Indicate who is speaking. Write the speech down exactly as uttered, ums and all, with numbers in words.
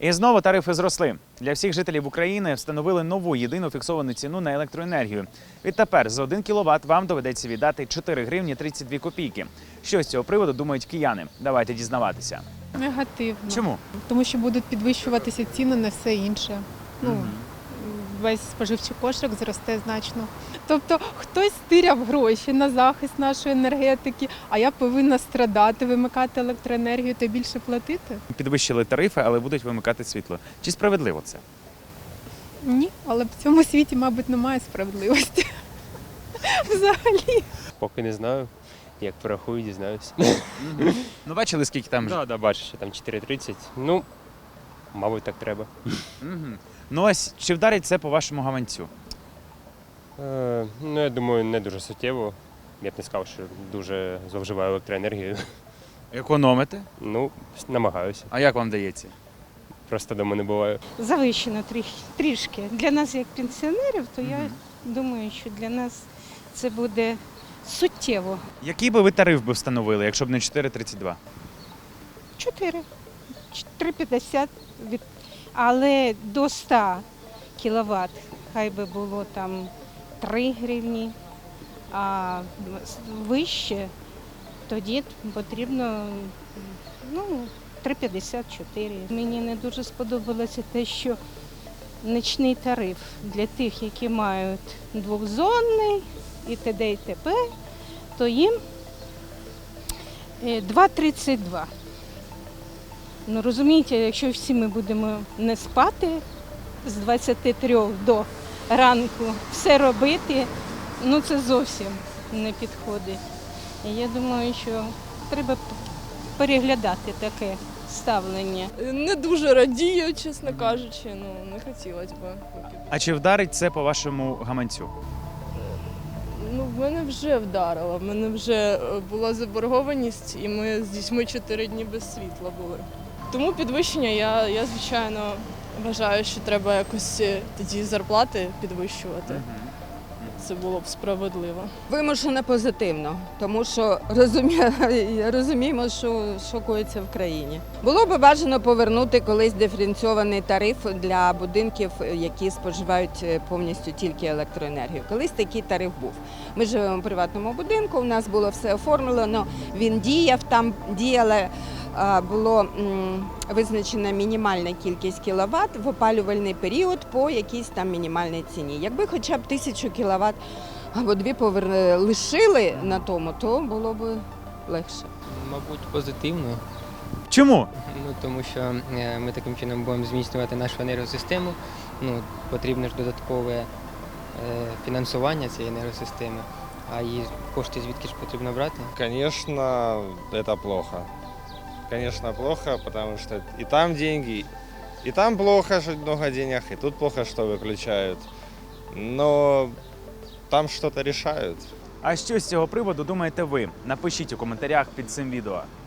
Speaker 1: І знову тарифи зросли. Для всіх жителів України встановили нову єдину фіксовану ціну на електроенергію. Відтепер за один кіловат вам доведеться віддати чотири гривні тридцять дві копійки. Що з цього приводу думають кияни? Давайте дізнаватися.
Speaker 2: Негативно.
Speaker 1: Чому?
Speaker 2: Тому що будуть підвищуватися ціни на все інше. Ну,
Speaker 1: Мгм.
Speaker 2: Весь споживчий кошик зросте значно. Тобто хтось стиряв гроші на захист нашої енергетики, а я повинна страдати, вимикати електроенергію та більше платити?
Speaker 1: Підвищили тарифи, але будуть вимикати світло. Чи справедливо це?
Speaker 2: Ні, але в цьому світі, мабуть, немає справедливості. Взагалі.
Speaker 3: Поки не знаю. Як порахую, дізнаюся.
Speaker 1: Ну, бачили, скільки там?
Speaker 3: Так, да, бачу, що там чотири тридцять. Ну, мабуть, так треба.
Speaker 1: Мгм. Ну ось, чи вдарить це по вашому гаманцю?
Speaker 3: Е, ну, я думаю, не дуже суттєво. Я б не сказав, що дуже зловживаю електроенергією.
Speaker 1: Економите?
Speaker 3: Ну, намагаюся.
Speaker 1: А як вам дається?
Speaker 3: Просто дома не буваю.
Speaker 4: Завищено трі- трішки. Для нас, як пенсіонерів, то я
Speaker 1: Мгм.
Speaker 4: думаю, що для нас це буде суттєво.
Speaker 1: Який би ви тариф би встановили, якщо б не чотири тридцять два?
Speaker 4: чотири, три п'ятдесят, від... але до ста кіловат хай би було там три гривні, а вище тоді потрібно ну, три п'ятдесят чотири. Мені не дуже сподобалося те, що нічний тариф для тих, які мають двохзонний і т.д. і т.п., то їм два тридцять два. Ну, розумієте, якщо всі ми будемо не спати з двадцяти трьох до ранку, все робити, ну це зовсім не підходить. І я думаю, що треба переглядати таке ставлення.
Speaker 5: Не дуже радію, чесно кажучи, ну не хотілося б.
Speaker 1: А чи вдарить це по вашому гаманцю?
Speaker 5: Ну, в мене вже вдарило, в мене вже е, була заборгованість, і ми з дітьми чотири дні без світла були. Тому підвищення я, я звичайно, вважаю, що треба якось е, тоді зарплати підвищувати. Це було б справедливо.
Speaker 6: Вимушено позитивно, тому що розумі... розуміємо, що, що коїться в країні. Було б бажано повернути колись диференційований тариф для будинків, які споживають повністю тільки електроенергію. Колись такий тариф був. Ми живемо в приватному будинку, у нас було все оформлено, він діяв, там діяла, було визначена мінімальна кількість кіловат в опалювальний період по якійсь там мінімальній ціні. Якби хоча б тисячу кіловат або дві повер... лишили на тому, то було б легше.
Speaker 7: Мабуть, позитивно,
Speaker 1: Чому?
Speaker 7: ну, тому що е, ми таким чином будемо зміцнювати нашу енергосистему. Ну, потрібно ж додаткове е, фінансування цієї енергосистеми, а її кошти звідки ж потрібно брати?
Speaker 8: Конечно, это плохо. Конечно, плохо, потому что и там деньги, и там плохо, что много денег, и тут плохо, что выключают. Но там что-то решают.
Speaker 1: А що з цього приводу думаєте ви? Напишіть у коментарях під цим відео.